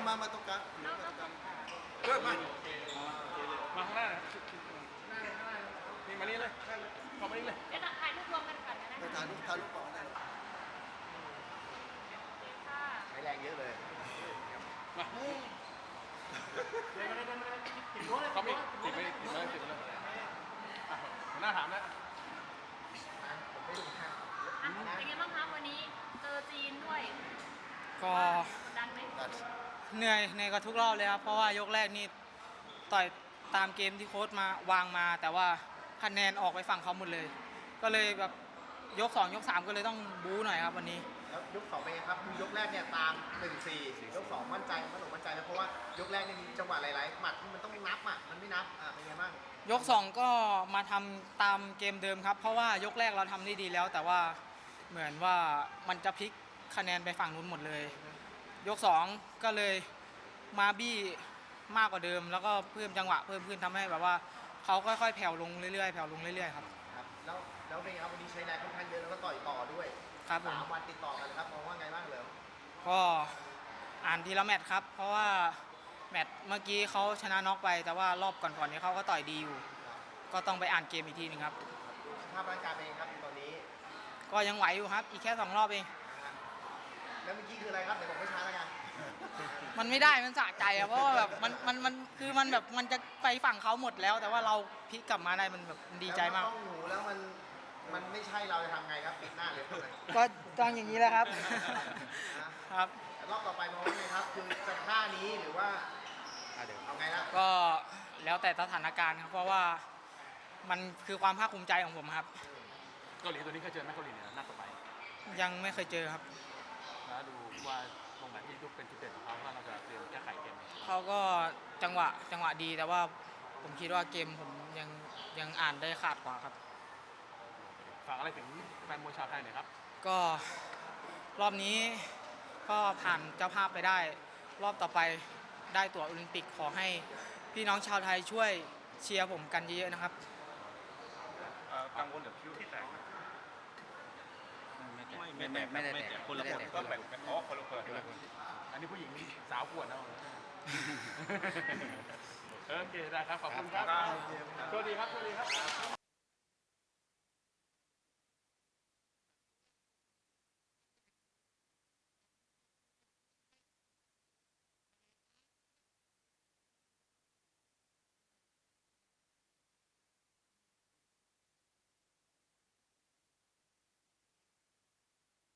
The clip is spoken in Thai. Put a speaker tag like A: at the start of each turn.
A: มาตรงกลางมาตรงกลาง
B: มาข้างหน้านะนี่มานี่เลยเข้ามานี่เลย
C: เดี๋ยวถ่ายรูปรวมกันก่อนนะ
A: ถ่ายรูปก่อนได้
C: ค่ะ
A: ใช้แรงเยอะเลย
B: มาเขามีติดไปเลยหัวหน้าถามแล้ว
C: เป็นไงบ้างคะวันนี้เจอจีนด้วย
D: ก็
C: ดันไหม
D: เหนื่อยกว่าทุกรอบเลยครับเพราะว่ายกแรกนี่ต่อยตามเกมที่โค้ชมาวางมาแต่ว่าคะแนนออกไปฝั่งเขาหมดเลยก็เลยแบบยก2ยก3ก็เลยต้องบู๊หน่อยครับวันนี้
A: แล้วยก2เป็นไงครับคือยกแรกเนี่ยตาม 1-4 ยก2มั่นใจมั่นใจนะเพราะว่ายกแรกนี่มีจังหวะหลายๆหมัดมันต้องนับอ่ะมันไม่นับเป็นไงบ้าง
D: ยก2ก็มาทำตามเกมเดิมครับเพราะว่ายกแรกเราทำได้ดีแล้วแต่ว่าเหมือนว่ามันจะพลิกคะแนนไปฝั่งนู้นหมดเลยยก2ก็เลยมาบี้มากกว่าเดิมแล้วก็เพิ่มจังหวะเพิ่มขึ้นทำให้แบบว่าเขาค่อยๆแผ่วลงเรื่อยๆครับ
A: แล้วเป็นไงครับวันนี้ใช้แรงค่อนข้างเยอะแล้วก็ต่อยต่อด้วย
D: ครับผม
A: 3 วันติดต่อกันครับมองว่าไงบ้างเลย
D: ก็อ่านทีละแมตช์ครับเพราะว่าแมตช์เมื่อกี้เขาชนะน็อกไปแต่ว่ารอบก่อนๆนี้เขาก็ต่อยดีอยู่ก็ต้องไปอ่านเกมอีกทีนึงครับ
A: สภาพร่างกายเป็นไงครับตอนนี้
D: ก็ยังไหวอยู่ครับอีกแค่2รอบเอง
A: แล้วเมื่อกี้คืออะไรครับเดี๋ยวผมไม่ช้าแล้วกัน
D: มันไม่ได้มันสะใจอะเพราะว่าแบบมันคือมันแบบมันจะไปฝั่งเขาหมดแล้วแต่ว่าเราพลิกกลับมาได้มันแบบดีใจมาก
A: ต้องหูแล้วมันไม่ใช่เราจะทำไงครับปิดหน้าเลย
D: ก็ต้องอย่างนี้แหละครับครับ
A: รอบต่อไปมองว่าไงครับคือจะท่านี้หรือว่าเอาไงล่ะ
D: ก็แล้วแต่สถานการณ์ครับเพราะว่ามันคือความภาคภูมิใจของผมครับ
B: เกาหลีตัวนี้เคยเจอไหมเกาหลีเนี่ยนัดต่อไป
D: ยังไม่เคยเจอครับ
B: แล้วดูว่าตรงไหนที่ยุบเป็นจุดเด่นของเขาว่าเราจะเตรียมแก้ไขเกม
D: เขาก็จังหวะดีแต่ว่าผมคิดว่าเกมผมยังอ่านได้ขาดกว่าครับ
B: ฝากอะไรถึงแฟนมวยชาวไทยหน่อยครับ
D: ก็รอบนี้ก็ผ่านเจ้าภาพไปได้รอบต่อไปได้ตั๋วโอลิมปิกขอให้พี่น้องชาวไทยช่วยเชียร์ผมกันเยอะๆนะครับ
B: กังวลกับคิ้วที่แตก
E: ไม่ได้แต่
B: คนละคนก็แบบอ๋อคนละคนอันนี้ผู้หญิงสาวปวดนะโอเคได้ครับขอบคุณครับสวัสดีครับ